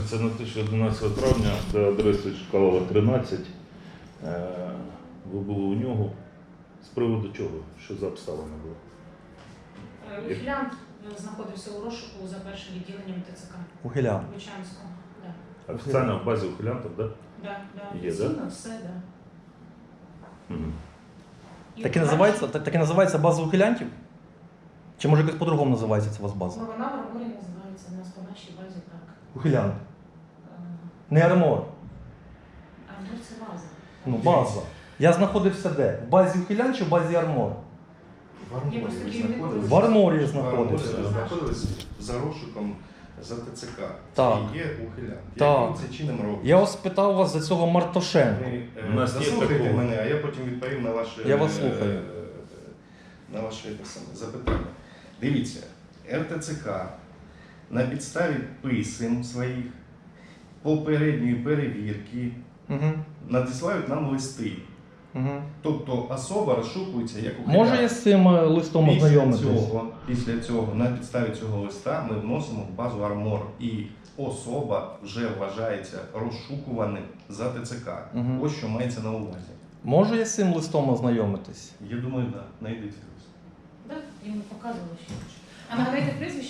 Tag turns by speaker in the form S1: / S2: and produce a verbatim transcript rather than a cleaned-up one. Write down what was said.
S1: Це на те, що одинадцятого травня за адресою Чкалова, тринадцять. Ви були у нього. З приводу чого? Що за обставина була?
S2: Ухилянт знаходився у розшуку за першим відділенням ТЦК.
S3: Ухилянт.
S2: Лучанського. Да.
S1: Офіційно в базі ухилянтів, так?
S2: Да, да.
S1: Є,
S2: Офіційно
S1: да?
S2: все, да.
S1: Угу.
S2: І
S3: Так і
S2: вона-
S3: називається, так, так і називається база ухилянтів? Чи може якось по-другому називається це у вас база?
S2: Ну, вона в арморі називається, у нас по нашій базі так.
S3: Ухилянт.
S2: Е,
S3: Не армор.
S2: Армор це база.
S3: Ну, база. Я знаходився де? В базі ухилянт чи в базі армор?
S4: В Арморі
S2: Я просто
S4: ви
S2: керівник
S4: знаходились?
S3: В Арморі
S4: В
S3: знаходився.
S4: Арморі ви знаходились за розшуком за ТЦК.
S3: Так.
S4: І є ухилянт.
S3: Так.
S4: Яким це чином робить?
S3: Я ось питав вас за цього Мартошенка.
S4: Ви, е,
S1: У нас є
S4: заслухайте
S1: такого.
S4: мене, а я потім відповім на ваше,
S3: Я вас слухаю.
S4: е, на ваше те саме, запитання. Дивіться, РТЦК на підставі писем своїх попередньої перевірки
S3: Угу.
S4: надсилають нам листи.
S3: Угу.
S4: Тобто особа розшукується як ухилянт.
S3: Може я з цим е, листом
S4: Після
S3: ознайомитись?
S4: цього, після цього, на підставі цього листа ми вносимо в базу Армор, і особа вже вважається розшукуваним за ТЦК.
S3: Мгм.
S4: Ось що мається на увазі.
S3: Можу я з цим листом ознайомитись?
S4: Я думаю, так, да, знайдеться.
S2: Да, йому показували ще. А нагадайте прізвище.